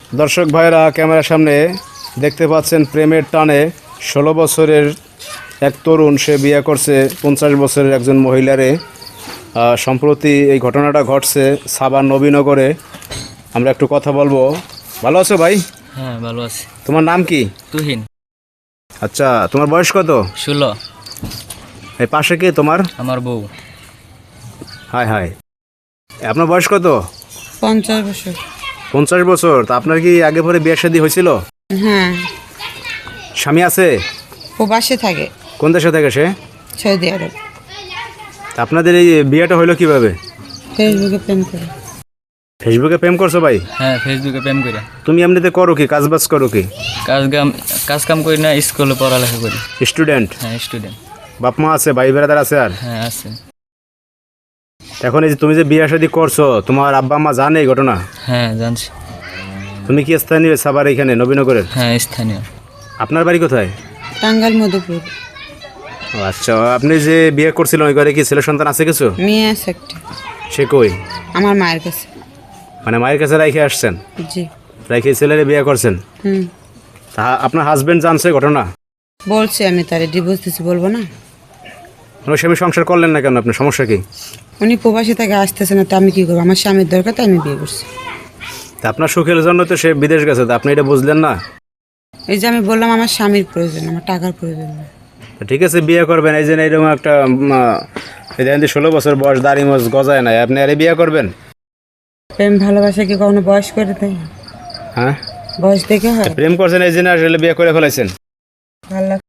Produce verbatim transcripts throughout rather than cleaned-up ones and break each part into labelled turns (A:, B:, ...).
A: দর্শক ভাইরা ক্যামেরার সামনে দেখতে পাচ্ছেন প্রেমের টানে ষোলো বছরের এক তরুণ সে বিয়ে করছে পঞ্চাশ বছরের একজন মহিলারে। সম্প্রতি এই ঘটনাটা ঘটছে সাভার নবীনগরে। আমরা একটু কথা বলবো। ভালো আছো ভাই?
B: হ্যাঁ ভালো আছি।
A: তোমার নাম কি?
B: তুহিন।
A: আচ্ছা, তোমার বয়স কত?
B: ষোলো।
A: এই পাশে কি তোমার?
B: আমার বউ।
A: হাই হাই, আপনার বয়স কত?
C: পঞ্চাশ বছর।
A: পঞ্চাশ বছর। তা আপনার কি আগে পরে বিয়ে শাদী হয়েছিল?
C: হ্যাঁ।
A: স্বামী আছে?
C: ও বাসে থাকে।
A: কোন দেশে থাকে সে?
C: সৌদি আরব।
A: তা আপনাদের এই বিয়েটা হইলো কিভাবে?
C: ফেসবুকে প্রেম করে।
A: ফেসবুকে প্রেম করছো ভাই?
B: হ্যাঁ ফেসবুকে প্রেম করে।
A: তুমি এমনিতে করো কি, কাজ বাজ করো কি?
B: কাজ কাম কাজ কাম করি না, স্কুলে পড়ালেখা করি।
A: স্টুডেন্ট?
B: হ্যাঁ স্টুডেন্ট।
A: বাপ মা আছে, ভাই বেড়াদার আছে? আর
B: হ্যাঁ আছে।
A: এখন এই যে তুমি যে বিয়ে শাদী করছো, তোমার আব্বা মা জানে এই ঘটনা?
B: হ্যাঁ জানছি।
A: তুমি কি স্থানীয় সাভার এখানে নবীনগরের?
B: হ্যাঁ স্থানীয়।
A: আপনার বাড়ি কোথায়?
C: টাঙ্গাইল মধুপুর।
A: ও আচ্ছা, আপনি যে বিয়ে করছিলেন ওই ঘরে কি ছেলে সন্তান আছে কিছু?
C: মেয়ে আছে একটা।
A: সে কই?
C: আমার মায়ের কাছে।
A: মানে মায়ের কাছে রাইখে আসছেন?
C: জি।
A: রাইখে ছেলেরে বিয়ে করছেন?
C: হুম।
A: তা আপনার হাজবেন্ড জানছে ঘটনা?
C: বলছি আমি তারে ডিভোর্স দিচ্ছি, বলবো না?
A: ওই স্বামী সংসার করলেন না কেন? আপনার সমস্যা কি?
C: উনি প্রবাসী থেকে আসতেছে না, তো আমি কী করবো? আমার স্বামীর দরকার, তাই আমি বিয়ে করছি।
A: তা আপনার সুখের জন্য তো সে বিদেশ গেছে, তা আপনি এটা বুঝলেন না?
C: এই যে আমি বললাম আমার স্বামীর প্রয়োজন, আমার টাকার প্রয়োজন না।
A: ঠিক আছে, বিয়ে করবেন। এই যে এইরকম একটা এই যে ষোলো বছর বয়স, দাড়ি মোজ গজায় নাই, আপনি আরে বিয়ে করবেন?
C: প্রেম ভালোবাসা কি কখনো বয়স করে দেয়?
A: হ্যাঁ,
C: বয়স দেখে হয়?
A: প্রেম করছেন এই জন্য আসলে বিয়ে করে ফেলাইছেন?
C: ভালো লাগে।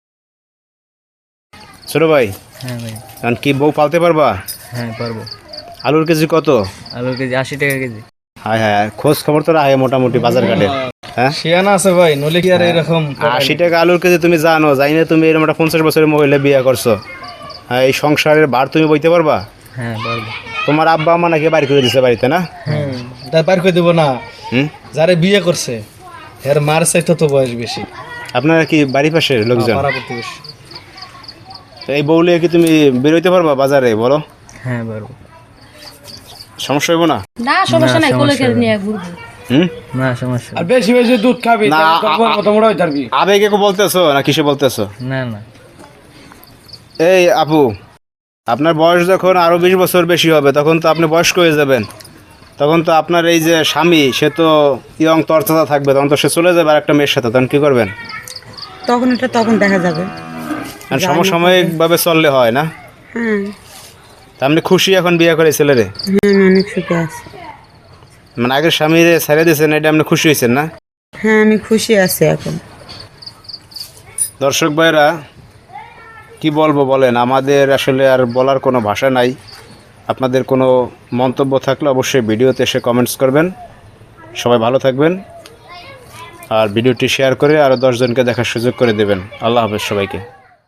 A: ছোট ভাই,
B: হ্যাঁ ভাই।
A: কারণ কি বউ পালতে পারবা?
B: হ্যাঁ পারবো।
A: আলুর কেজি কত?
B: আলুর কেজি আশি টাকা কেজি।
A: হ্যাঁ হ্যাঁ, খোঁজ খবর তো রাখে মোটামুটি বাজার ঘাটে। হ্যাঁ
D: শিয়ানা আছে ভাই, নলে কি আর এরকম
A: আশি টাকা আলুর কেজি তুমি জানো? জানি না তুমি এরকম একটা পঞ্চাশ বছরের মহিলা বিয়ে করছো। হ্যাঁ, এই সংসারের ভার তুমি বইতে পারবা?
B: হ্যাঁ পারবো।
A: তোমার আব্বা আম্মা নাকি বাড়ি করে দিছে বাড়িতে, না?
D: হুম, তাই পার করে দেবো না।
A: হুম,
D: যারে বিয়ে করছে এর মার চাইতে তো বয়স বেশি।
A: আপনারা কি বাড়ি পাশের লোকজন?
D: পাড়া প্রতিবেশী।
A: তো এই বউলে কি তুমি বেরোইতে পারবা বাজারে, বলো?
B: হ্যাঁ পারবো।
A: সমস্যা হইব না?
E: না সমস্যা নাই, কোলে করে নিয়ে ঘুরবো।
A: হুম,
B: না সমস্যা
D: আর বেশি বেশি দুধ খাবি,
A: না,
D: তাহলে তোর বউর
A: আ-
D: মতো মোটা হয়ে যাবি।
A: আবেগে কো বলতেছো না কিসে বলতেছো?
B: না না।
A: এই আপু, আপনার বয়স যখন আরো বিশ বছর বেশি হবে তখন তো আপনি বয়স্ক হয়ে যাবেন। তখন তো আপনার এই যে স্বামী, সে তো ইয়ং তরতাজা থাকবে, তখন তো সে চলে যাবে আর একটা মেয়ের সাথে, তখন কি করবেন?
C: তখন এটা তখন দেখা যাবে।
A: আর সমসাময়িক ভাবে চললে হয় না?
C: হ্যাঁ।
A: তা আপনি খুশি এখন বিয়ে করে ছেলেরে?
C: হ্যাঁ আমি অনেক সুখে আছি।
A: মানে আগের স্বামীরে ছেড়ে দিয়েছেন, এটা আপনি খুশি হয়েছেন না?
C: হ্যাঁ আমি খুশি আছি এখন।
A: দর্শক ভাইরা, কি বলবো বলেন, আমাদের আসলে আর বলার কোনো ভাষা নাই। আপনাদের কোনো মন্তব্য থাকলে অবশ্যই ভিডিওতে এসে কমেন্টস করবেন। সবাই ভালো থাকবেন, আর ভিডিওটি শেয়ার করে আরও দশজনকে দেখার সুযোগ করে দেবেন। আল্লাহ হাফেজ সবাইকে।